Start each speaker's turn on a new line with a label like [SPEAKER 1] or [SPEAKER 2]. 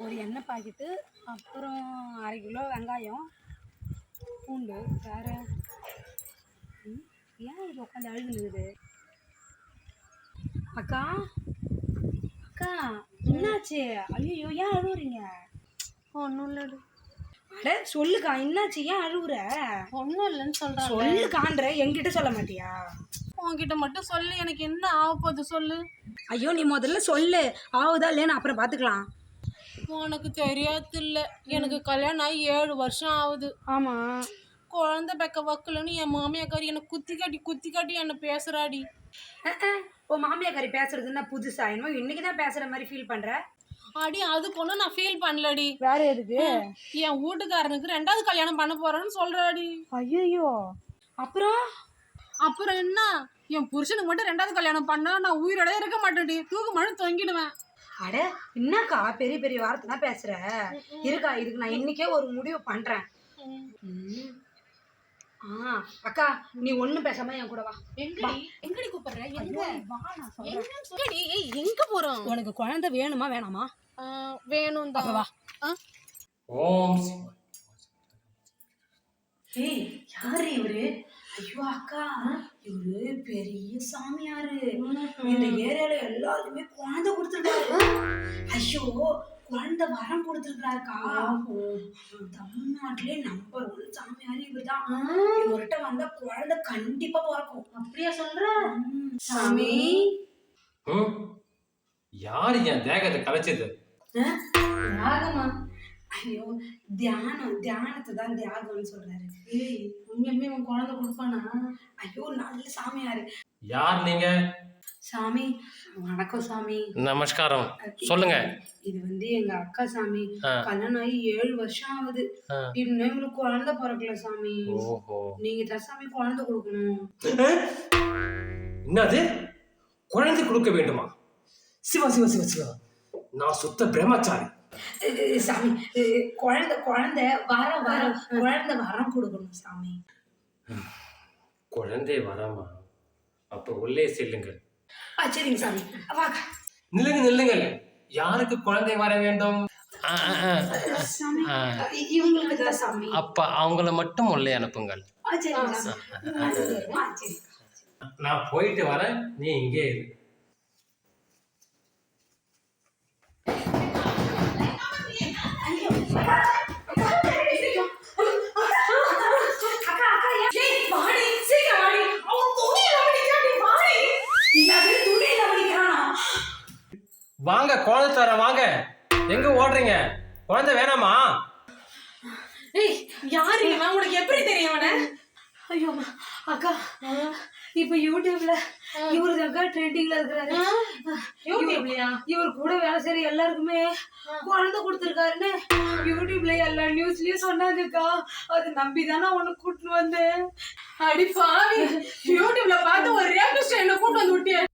[SPEAKER 1] ஒரு எண்ணெய் பாக்கெட்டு, அப்புறம் 1/2 கிலோ வெங்காயம், பூண்டு. வேறு ஏன் இது உட்காந்து அழுதுனுக்குது? அக்கா அக்கா என்னாச்சு? ஐயோ ஏன் அழுவுறீங்க?
[SPEAKER 2] ஒன்றும் இல்லடி.
[SPEAKER 1] அட சொல்லுக்கா, என்னாச்சு? ஏன் அழுவுற?
[SPEAKER 2] ஒன்றும் இல்லைன்னு சொல்கிறேன்.
[SPEAKER 1] சொல்லுக்கான்ற, என்கிட்ட சொல்ல மாட்டியா?
[SPEAKER 2] உன்கிட்ட மட்டும் சொல்லு, எனக்கு என்ன ஆக போகுது சொல்லு.
[SPEAKER 1] ஐயோ நீ முதல்ல சொல்லு, ஆகுதா இல்லைன்னு அப்புறம் பார்த்துக்கலாம்.
[SPEAKER 2] உனக்கு தெரியாது இல்லை, எனக்கு கல்யாணம் ஆகி 7 வருஷம் ஆகுது.
[SPEAKER 1] ஆமாம்.
[SPEAKER 2] குழந்தை பெக்க வக்கலன்னு என் மாமியாக்காரி என்னை குத்தி காட்டி என்னை பேசுகிறாடி.
[SPEAKER 1] ஓ மாமியாக்காரி பேசுறதுன்னா புதுசா? என்னமோ இன்னைக்கு தான் பேசுற மாதிரி ஃபீல் பண்ற.
[SPEAKER 2] அடி அதுக்கு ஒன்றும் நான் ஃபீல் பண்ணலடி.
[SPEAKER 1] வேற எதுக்கு?
[SPEAKER 2] என் வீட்டுக்காரனுக்கு 2வது கல்யாணம் பண்ண போறேன்னு சொல்றாடி.
[SPEAKER 1] ஐயோ
[SPEAKER 2] அப்புறம் என்ன, என் புருஷனுக்கு மட்டும் 2வது கல்யாணம் பண்ணா நான் உயிரோட இருக்க மாட்டேன்டி, தூக்கு மழை தொங்கிடுவேன்.
[SPEAKER 1] அட என்னக்கா பெரிய பெரிய வார்த்தைலாம் பேசுற? இருக்கா, இதுக்கு நான் இன்னைக்கே ஒரு முடிவு பண்றேன். அக்கா நீ ஒண்ணும் பேசாம என் கூட வா.
[SPEAKER 2] எங்கடி கூப்பிடுற? எங்க
[SPEAKER 1] வா, நான் சொல்றேன்.
[SPEAKER 2] எங்க போறோம்?
[SPEAKER 1] உனக்கு குழந்தை வேணுமா வேணாமா?
[SPEAKER 2] வேணும் தான்.
[SPEAKER 1] வா.
[SPEAKER 3] ஓம்
[SPEAKER 1] ஏய் யாரு இவரு? ஐயோ அக்கா, இவரு பெரிய சாமியாரு. இந்த ஏரியால எல்லாருக்குமே குழந்தை கொடுத்துருக்காரு. ஐயோ குழந்தை வரம் கொடுத்துருக்காருக்கா. தமிழ்நாட்டிலே நம்பர் 1 சாமியாரு இவர்தான். இவர்கிட்ட வந்தா குழந்தை கண்டிப்பா பிறக்கும்.
[SPEAKER 2] அப்படியா சொல்ற?
[SPEAKER 1] சாமி
[SPEAKER 3] யாரு என் தேகத்தை கலைச்சது?
[SPEAKER 1] தியாகமா? ஐயோ தியானத்தை தான் தியாகம்னு சொல்றாரு.
[SPEAKER 2] உண்மையுமே உன் குழந்தை கொடுப்பானா?
[SPEAKER 1] ஐயோ நல்ல சாமியாரு.
[SPEAKER 3] யார் நீங்க?
[SPEAKER 1] சாமி வணக்கம் சாமி.
[SPEAKER 3] நமஸ்காரம், சொல்லுங்க.
[SPEAKER 1] இது வந்து எங்க அக்கா சாமி. கல்யாணம் ஆகி 7 வருஷம் ஆகுது. இன்னும் எங்களுக்கு குழந்தை பிறக்கல சாமி. நீங்க தான் சாமி குழந்தை கொடுக்கணும்.
[SPEAKER 3] என்னது குழந்தை கொடுக்க வேண்டுமா? சிவா சிவா சிவா சிவா, நான் சுத்த பிரம்மச்சாரி.
[SPEAKER 1] சாமி குழந்தை வரம் கொடுக்கணும் சாமி.
[SPEAKER 3] குழந்தை வரமா? அப்ப உள்ளே செல்லுங்கள்.
[SPEAKER 1] சரிங்க சாமி. வாங்க.
[SPEAKER 3] நில்லுங்கள். யாருக்கு குழந்தை வர வேண்டும்?
[SPEAKER 1] இவங்களுக்கு தான் சாமி.
[SPEAKER 3] அப்ப அவங்கள மட்டும் உள்ளே அனுப்புங்கள். நான் போயிட்டு வரேன், நீ இங்கே இரு. வாங்க குழந்தை தர, வாங்க. எங்க ஓடுறீங்க? குழந்தை வேணாமா?
[SPEAKER 2] ஏய் யாரு இவன்? உனக்கு எப்படி தெரியும் அவனை?
[SPEAKER 1] ஐயோ அக்கா, இப்ப யூடியூப்ல இவரு தாக்கா ட்ரெண்டிங்ல இருக்கிறாரு. இவர் கூட வேலை செய்யற எல்லாருக்குமே குழந்தை கொடுத்துருக்காருன்னு யூடியூப்ல எல்லா நியூஸ்லயும் சொன்னாங்கக்கா. அது நம்பிதானே உனக்கு கூட்டிட்டு வந்தேன்.
[SPEAKER 2] அடி பாவி, யூடியூப்ல பார்த்து ஒரு ரேபிஸ்ட் என்ன கூட்டு வந்து விட்டியே.